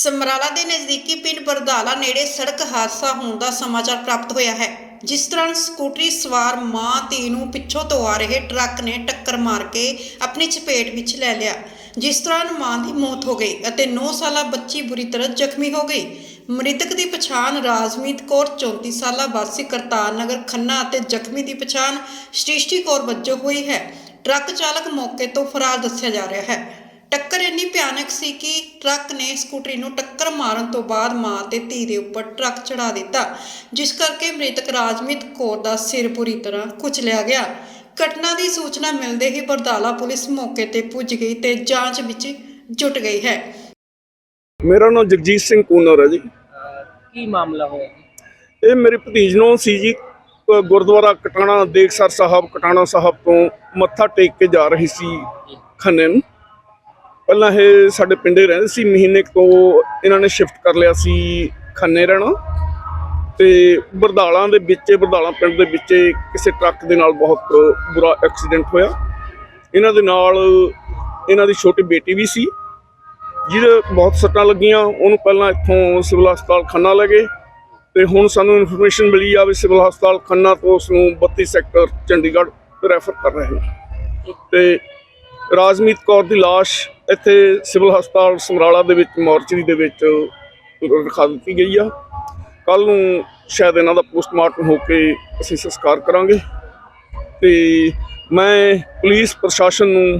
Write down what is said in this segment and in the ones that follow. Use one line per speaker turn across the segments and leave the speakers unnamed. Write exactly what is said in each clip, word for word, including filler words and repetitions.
ਸਮਰਾਲਾ ਦੇ ਨਜ਼ਦੀਕੀ ਪਿੰਡ ਬਰਦਾਲਾ ਨੇੜੇ ਸੜਕ ਹਾਦਸਾ ਹੋਣ ਦਾ ਸਮਾਚਾਰ ਪ੍ਰਾਪਤ ਹੋਇਆ ਹੈ, ਜਿਸ ਦੌਰਾਨ ਸਕੂਟਰੀ ਸਵਾਰ ਮਾਂ ਧੀ ਨੂੰ ਪਿੱਛੋਂ ਤੋਂ ਆ ਰਹੇ ਟਰੱਕ ਨੇ ਟੱਕਰ ਮਾਰ ਕੇ ਆਪਣੀ ਚਪੇਟ ਵਿੱਚ ਲੈ ਲਿਆ, ਜਿਸ ਦੌਰਾਨ ਮਾਂ ਦੀ ਮੌਤ ਹੋ ਗਈ ਅਤੇ ਨੌ ਸਾਲਾ ਬੱਚੀ ਬੁਰੀ ਤਰ੍ਹਾਂ ਜ਼ਖਮੀ ਹੋ ਗਈ। ਮ੍ਰਿਤਕ ਦੀ ਪਛਾਣ ਰਾਜਮੀਤ ਕੌਰ ਚੌਂਤੀ ਸਾਲਾ ਵਾਸੀ ਕਰਤਾਰ ਨਗਰ ਖੰਨਾ ਅਤੇ ਜ਼ਖਮੀ ਦੀ ਪਛਾਣ ਸ੍ਰਿਸ਼ਟੀ ਕੌਰ ਵਜੋਂ ਹੋਈ ਹੈ। ਟਰੱਕ ਚਾਲਕ ਮੌਕੇ ਤੋਂ ਫਰਾਰ ਦੱਸਿਆ ਜਾ ਰਿਹਾ ਹੈ। ਟੱਕਰ ਇੰਨੀ ਭਿਆਨਕ ਸੀ ਕਿ ਟਰੱਕ ਨੇ ਸਕੂਟਰੀ ਨੂੰ ਟੱਕਰ ਮਾਰਨ ਤੋਂ ਬਾਅਦ ਮਾਂ ਤੇ ਧੀ ਦੇ ਉੱਪਰ ਟਰੱਕ ਚੜਾ ਦਿੱਤਾ, ਜਿਸ ਕਰਕੇ ਮ੍ਰਿਤਕ ਰਾਜਮੀਤ ਕੌਰ ਦਾ ਸਿਰ ਬੁਰੀ ਤਰ੍ਹਾਂ ਕੁਚਲਿਆ ਗਿਆ। ਘਟਨਾ ਦੀ ਸੂਚਨਾ ਮਿਲਦੇ ਹੀ ਬਰਦਾਲਾ ਪੁਲਿਸ ਮੌਕੇ ਤੇ ਪੁੱਜ ਗਈ ਤੇ ਜਾਂਚ ਵਿੱਚ ਜੁਟ ਗਈ ਹੈ।
ਮੇਰਾ ਨਾਮ ਜਗਜੀਤ ਸਿੰਘ ਕੂਨਰ ਹੈ ਜੀ।
ਕੀ ਮਾਮਲਾ ਹੋਇਆ ਜੀ?
ਇਹ ਮੇਰੇ ਭਤੀਜ ਨੂੰ ਸੀ ਜੀ, ਗੁਰਦੁਆਰਾ ਕਟਾਣਾ ਦੇਖਸਰ ਸਾਹਿਬ ਕਟਾਣਾ ਸਾਹਿਬ ਤੋਂ ਮੱਥਾ ਟੇਕ ਕੇ ਜਾ ਰਹੀ ਸੀ ਖੰਨੇ ਨੂੰ। ਪਹਿਲਾਂ ਇਹ ਸਾਡੇ ਪਿੰਡੇ ਰਹਿੰਦੇ ਸੀ, ਮਹੀਨੇ ਤੋਂ ਇਹਨਾਂ ਨੇ ਸ਼ਿਫਟ ਕਰ ਲਿਆ ਸੀ ਖੰਨੇ ਰਹਿਣਾ। ਤੇ ਬਰਦਾਲਾਂ ਦੇ ਵਿੱਚ ਬਰਦਾਲਾ ਪਿੰਡ ਦੇ ਵਿੱਚ ਕਿਸੇ ਟਰੱਕ ਦੇ ਨਾਲ ਬਹੁਤ ਬੁਰਾ ਐਕਸੀਡੈਂਟ ਹੋਇਆ। ਇਹਨਾਂ ਦੇ ਨਾਲ ਇਹਨਾਂ ਦੀ ਛੋਟੀ ਬੇਟੀ ਵੀ ਸੀ, ਜਿਹਦੇ ਬਹੁਤ ਸੱਟਾਂ ਲੱਗੀਆਂ। ਉਹਨੂੰ ਪਹਿਲਾਂ ਇੱਥੋਂ ਸਿਵਲ ਹਸਪਤਾਲ ਖੰਨਾ ਲੈ ਗਏ ਤੇ ਹੁਣ ਸਾਨੂੰ ਇਨਫੋਰਮੇਸ਼ਨ ਮਿਲੀ ਆ ਵੀ ਸਿਵਲ ਹਸਪਤਾਲ ਖੰਨਾ ਤੋਂ ਉਸ ਨੂੰ ਬੱਤੀ ਸੈਕਟਰ ਚੰਡੀਗੜ੍ਹ ਰੈਫਰ ਕਰ ਰਹੇ ਨੇ। ਤੇ ਰਾਜਮੀਤ ਕੌਰ ਦੀ ਲਾਸ਼ ਇੱਥੇ ਸਿਵਲ ਹਸਪਤਾਲ ਸਮਰਾਲਾ ਦੇ ਵਿੱਚ ਮੋਰਚਰੀ ਦੇ ਵਿੱਚ ਰਖਾ ਦਿੱਤੀ ਗਈ ਆ। ਕੱਲ੍ਹ ਨੂੰ ਸ਼ਾਇਦ ਇਹਨਾਂ ਦਾ ਪੋਸਟਮਾਰਟਮ ਹੋ ਕੇ ਅਸੀਂ ਸੰਸਕਾਰ ਕਰਾਂਗੇ। ਤੇ ਮੈਂ ਪੁਲਿਸ ਪ੍ਰਸ਼ਾਸਨ ਨੂੰ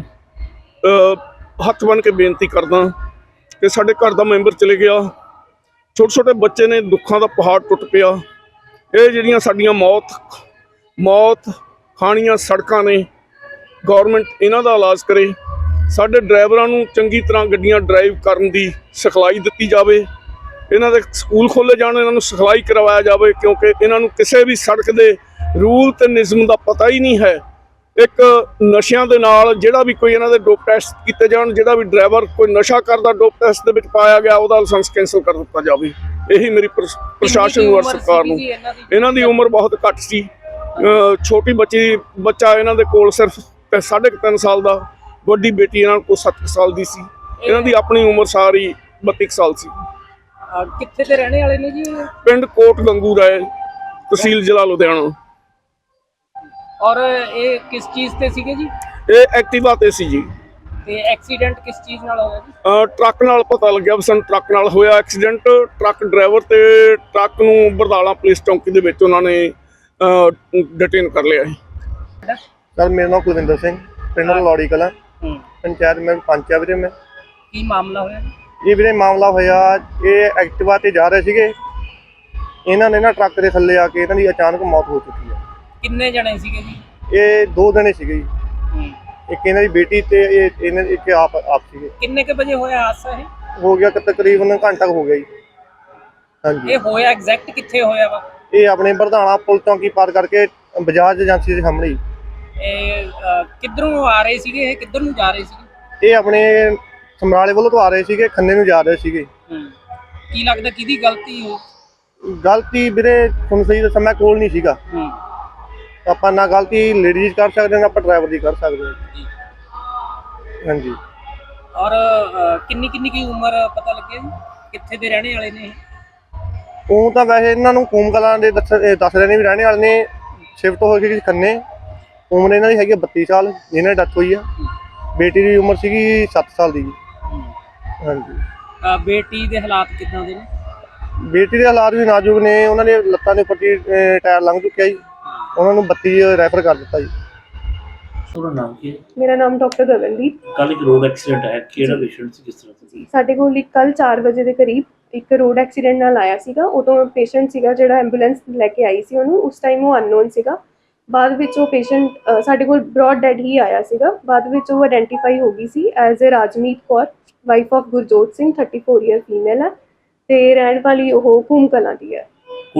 ਹੱਥ ਬੰਨ੍ਹ ਕੇ ਬੇਨਤੀ ਕਰਦਾ ਕਿ ਸਾਡੇ ਘਰ ਦਾ ਮੈਂਬਰ ਚਲੇ ਗਿਆ, ਛੋਟੇ ਛੋਟੇ ਬੱਚੇ ਨੇ, ਦੁੱਖਾਂ ਦਾ ਪਹਾੜ ਟੁੱਟ ਪਿਆ। ਇਹ ਜਿਹੜੀਆਂ ਸਾਡੀਆਂ ਮੌਤ ਮੌਤ ਖਾਣੀਆਂ ਸੜਕਾਂ ਨੇ, ਗੌਰਮੈਂਟ ਇਹਨਾਂ ਦਾ ਇਲਾਜ ਕਰੇ। ਸਾਡੇ ਡਰਾਈਵਰਾਂ ਨੂੰ ਚੰਗੀ ਤਰ੍ਹਾਂ ਗੱਡੀਆਂ ਡਰਾਈਵ ਕਰਨ ਦੀ ਸਿਖਲਾਈ ਦਿੱਤੀ ਜਾਵੇ। ਇਹਨਾਂ ਦੇ ਸਕੂਲ ਖੋਲ੍ਹੇ ਜਾਣ, ਇਹਨਾਂ ਨੂੰ ਸਿਖਲਾਈ ਕਰਵਾਇਆ ਜਾਵੇ, ਕਿਉਂਕਿ ਇਹਨਾਂ ਨੂੰ ਕਿਸੇ ਵੀ ਸੜਕ ਦੇ ਰੂਲ ਤੇ ਨਿਯਮ ਦਾ ਪਤਾ ਹੀ ਨਹੀਂ ਹੈ। ਇੱਕ ਨਸ਼ਿਆਂ ਦੇ ਨਾਲ ਜਿਹੜਾ ਵੀ ਕੋਈ ਇਹਨਾਂ ਦੇ ਡੋਪ ਟੈਸਟ ਕੀਤੇ ਜਾਣ, ਜਿਹੜਾ ਵੀ ਡਰਾਈਵਰ ਕੋਈ ਨਸ਼ਾ ਕਰਦਾ ਡੋਪ ਟੈਸਟ ਦੇ ਵਿੱਚ ਪਾਇਆ ਗਿਆ, ਉਹਦਾ ਲਾਇਸੈਂਸ ਕੈਂਸਲ ਕਰ ਦਿੱਤਾ ਜਾਵੇ। ਇਹੀ ਮੇਰੀ ਪ੍ਰਸ਼ਾਸਨ ਨੂੰ ਔਰ ਸਰਕਾਰ ਨੂੰ। ਇਹਨਾਂ ਦੀ ਉਮਰ ਬਹੁਤ ਘੱਟ ਸੀ, ਛੋਟੀ ਬੱਚੀ ਬੱਚਾ ਇਹਨਾਂ ਦੇ ਕੋਲ ਸਿਰਫ ਸਾਢੇ ਕੁ ਤਿੰਨ ਸਾਲ ਦਾ, ਵੱਡੀ ਬੇਟੀ ਇਹਨਾਂ ਕੋਲ ਸੱਤ ਸਾਲ ਦੀ ਸੀ। ਇਹਨਾਂ ਦੀ ਆਪਣੀ ਉਮਰ ਸਾਰੀ ਬੱਤੀ ਸਾਲ ਸੀ।
ਕਿੱਥੇ ਦੇ ਰਹਿਣੇ ਵਾਲੇ ਨੇ ਜੀ?
ਪਿੰਡ ਕੋਟ ਗੰਗੂ ਰਾਏ, ਤਹਿਸੀਲ ਜ਼ਿਲ੍ਹਾ ਲੁਧਿਆਣਾ।
ਔਰ ਇਹ ਕਿਸ ਚੀਜ਼ ਤੇ ਸੀਗੇ ਜੀ?
ਇਹ ਐਕਟਿਵਾ ਤੇ ਸੀ ਜੀ।
ਤੇ ਐਕਸੀਡੈਂਟ ਕਿਸ ਚੀਜ਼ ਨਾਲ ਹੋਇਆ ਜੀ?
ਟਰੱਕ ਨਾਲ ਪਤਾ ਲੱਗਿਆ, ਸਾਨੂੰ ਟਰੱਕ ਨਾਲ ਹੋਇਆ ਐਕਸੀਡੈਂਟ। ਟਰੱਕ ਡਰਾਈਵਰ ਤੇ ਟਰੱਕ ਨੂੰ ਬਰਦਾਲਾ ਪੁਲਿਸ ਚੌਂਕੀ ਦੇ ਵਿੱਚ ਉਹਨਾਂ ਨੇ ਡਿਟੇਨ ਕਰ ਲਿਆ ਹੈ।
ਸਰ ਮੇਰਾ ਨਾਮ ਕੁਲਵਿੰਦਰ ਸਿੰਘ, ਪਿੰਡ ਲੌੜੀ ਕਲਾਂ, ਪੰਚਾਇਤ ਮੈਂ ਪੰਚ ਆ ਵੀਰੇ। ਮੈਂ
ਕੀ ਮਾਮਲਾ ਹੋਇਆ
ਜੀ? ਵੀਰੇ ਮਾਮਲਾ ਹੋਇਆ, ਇਹ ਐਕਟਿਵਾ ਤੇ ਜਾ ਰਹੇ ਸੀਗੇ, ਇਹਨਾਂ ਨੇ ਨਾ ਟਰੱਕ ਦੇ ਥੱਲੇ ਆ ਕੇ ਇਹਨਾਂ ਦੀ ਅਚਾਨਕ ਮੌਤ ਹੋ ਚੁੱਕੀ ਹੈ।
ਕਿੰਨੇ ਜਣੇ ਸੀਗੇ ਜੀ?
ਇਹ ਦੋ ਜਣੇ ਸੀਗੇ ਜੀ, ਇੱਕ ਇਹਨਾਂ ਦੀ ਬੇਟੀ ਤੇ ਇਹ ਇਹਨਾਂ ਇੱਕ ਆਪ ਆਪ ਸੀਗੇ।
ਕਿੰਨੇ ਕੇ ਵਜੇ ਹੋਇਆ ਹਾਦਸਾ? ਇਹ
ਹੋ ਗਿਆ ਤਕਰੀਬਨ ਘੰਟਾ ਹੋ ਗਿਆ ਜੀ। ਹਾਂਜੀ,
ਇਹ ਹੋਇਆ ਐਗਜ਼ੈਕਟ ਕਿੱਥੇ ਹੋਇਆ ਵਾ?
ਇਹ ਆਪਣੇ ਬਰਦਾਣਾ ਪੁਲ ਚੌਂਕੀ ਪਾਰ ਕਰਕੇ ਬਜਾਜ ਏਜੰਸੀ ਦੇ ਸਾਹਮਣੇ।
ਇਹ ਕਿੱਧਰੋਂ ਆ ਰਹੇ ਸੀਗੇ? ਇਹ ਕਿੱਧਰ ਨੂੰ ਜਾ ਰਹੇ ਸੀਗੇ?
ਇਹ ਆਪਣੇ ਸਮਰਾਲੇ ਵੱਲੋਂ ਤੋਂ ਆ ਰਹੇ ਸੀਗੇ, ਖੰਨੇ ਨੂੰ ਜਾ ਰਹੇ ਸੀਗੇ।
ਕੀ ਲੱਗਦਾ ਕਿਹਦੀ ਗਲਤੀ ਹੋ?
ਗਲਤੀ ਵੀਰੇ ਤੁਹਾਨੂੰ ਸਹੀ ਦੱਸਾਂ, ਮੈਂ ਕੋਲ ਨਹੀਂ ਸੀਗਾ। ਆਪਾਂ ਨਾ ਗਲਤੀ ਲੇਡੀਜ਼ ਕਰ ਸਕਦੇ, ਨਾ ਆਪਾਂ ਡਰਾਈਵਰ ਦੀ ਕਰ ਸਕਦੇ ਹਾਂ। ਹਾਂਜੀ।
ਔਰ ਕਿੰਨੀ ਕਿੰਨੀ ਕੀ ਉਮਰ ਪਤਾ ਲੱਗਿਆ ਜੀ? ਕਿੱਥੇ ਦੇ ਰਹਿਣੇ ਵਾਲੇ ਨੇ?
ਉਹ ਤਾਂ ਵੈਸੇ ਇਹਨਾਂ ਨੂੰ ਕੂਮ ਕਲਾਂ ਦੇ ਦੱਸ ਦੱਸ ਰਹੇ ਨੇ ਵੀ ਰਹਿਣੇ ਵਾਲੇ ਨੇ, ਸ਼ਿਫਟ ਹੋ ਗਈ ਖੰਨੇ। ਉਮਰ ਇਹਨਾਂ ਦੀ ਹੈਗੀ ਬੱਤੀ ਸਾਲ, ਜਿਹਨਾਂ ਦੀ ਡੈਥ ਹੋਈ ਆ। ਬੇਟੀ ਦੀ ਉਮਰ ਸੀਗੀ ਸੱਤ ਸਾਲ ਦੀ ਜੀ। ਹਾਂਜੀ।
ਬੇਟੀ ਦੇ ਹਾਲਾਤ ਕਿੱਦਾਂ ਦੇ ਨੇ?
ਬੇਟੀ ਦੇ ਹਾਲਾਤ ਵੀ ਨਾਜ਼ੁਕ ਨੇ, ਉਹਨਾਂ ਦੇ ਲੱਤਾਂ ਦੇ ਉੱਪਰ ਟਾਇਰ ਲੰਘ ਚੁੱਕਿਆ ਜੀ, ਉਹਨਾਂ ਨੂੰ ਬੱਤੀ ਰੈਫਰ ਕਰ ਦਿੱਤਾ ਜੀ।
ਤੁਹਾਡਾ ਨਾਮ ਕੀ ਹੈ?
ਮੇਰਾ ਨਾਮ ਡਾਕਟਰ ਗਗਨਦੀਪ।
ਕੱਲ ਇੱਕ ਰੋਡ ਐਕਸੀਡੈਂਟ ਹੈ, ਕਿਹੜਾ ਪੇਸ਼ੈਂਟ ਸੀ, ਕਿਸ ਤਰ੍ਹਾਂ ਸੀ?
ਸਾਡੇ ਕੋਲ ਇੱਕ ਕੱਲ ਚਾਰ ਵਜੇ ਦੇ ਕਰੀਬ ਇੱਕ ਰੋਡ ਐਕਸੀਡੈਂਟ ਨਾਲ ਆਇਆ ਸੀਗਾ। ਉਦੋਂ ਪੇਸ਼ੈਂਟ ਸੀਗਾ ਜਿਹੜਾ ਐਂਬੂਲੈਂਸ ਲੈ ਕੇ ਆਈ ਸੀ ਉਹਨੂੰ, ਉਸ ਟਾਈਮ ਉਹ ਅਨਨੋਨ ਸੀਗਾ। ਬਾਅਦ ਵਿੱਚ ਉਹ ਪੇਸ਼ੈਂਟ ਸਾਡੇ ਕੋਲ ਬ੍ਰੌਡ ਡੈਡ ਹੀ ਆਇਆ ਸੀਗਾ। ਬਾਅਦ ਵਿੱਚ ਉਹ ਆਇਡੈਂਟੀਫਾਈ ਹੋ ਗਈ ਸੀ as a Rajmeet Kaur, wife of Gurjot Singh, thirty four year female ਹੈ ਤੇ ਰਹਿਣ ਵਾਲੀ ਉਹ ਕੂਮ ਕਲਾਂ ਦੀ ਹੈ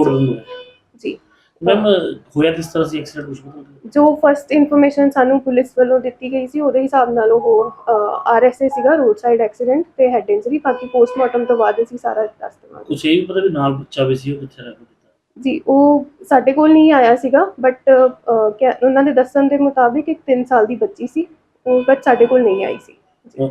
ਜੀ।
ਮੈਮ ਹੋਇਆ ਕਿਸ ਤਰ੍ਹਾਂ ਸੀ ਐਕਸੀਡੈਂਟ, ਕੁਝ ਪਤਾ?
ਜੋ ਫਸਟ ਇਨਫੋਰਮੇਸ਼ਨ ਸਾਨੂੰ ਪੁਲਿਸ ਵੱਲੋਂ ਦਿੱਤੀ ਗਈ ਸੀ ਉਹਦੇ ਹਿਸਾਬ ਨਾਲ ਉਹ ਆਰ ਐਸ ਏ ਸੀਗਾ, ਰੋਡ ਸਾਈਡ ਐਕਸੀਡੈਂਟ ਤੇ ਹੈਡ ਇੰਜਰੀ। ਬਾਕੀ ਪੋਸਟਮਾਰਟਮ ਤੋਂ ਬਾਅਦ ਅਸੀਂ ਸਾਰਾ ਦੱਸ ਦੇਵਾਂਗੇ।
ਕੁਝ ਇਹ ਵੀ ਪਤਾ ਵੀ ਨਾਲ ਬੱਚਾ ਵੀ ਸੀ, ਉਹ ਕਿੱਥੇ ਰਹਿ ਗਿਆ
ਜੀ? ਉਹ ਸਾਡੇ ਕੋਲ ਨਹੀਂ ਆਇਆ ਸੀਗਾ, ਬਟ ਉਹਨਾਂ ਦੇ ਦੱਸਣ ਦੇ ਮੁਤਾਬਿਕ ਇੱਕ ਤਿੰਨ ਸਾਲ ਦੀ ਬੱਚੀ ਸੀ, ਉਹ ਬਟ ਸਾਡੇ ਕੋਲ ਨਹੀਂ ਆਈ ਸੀ।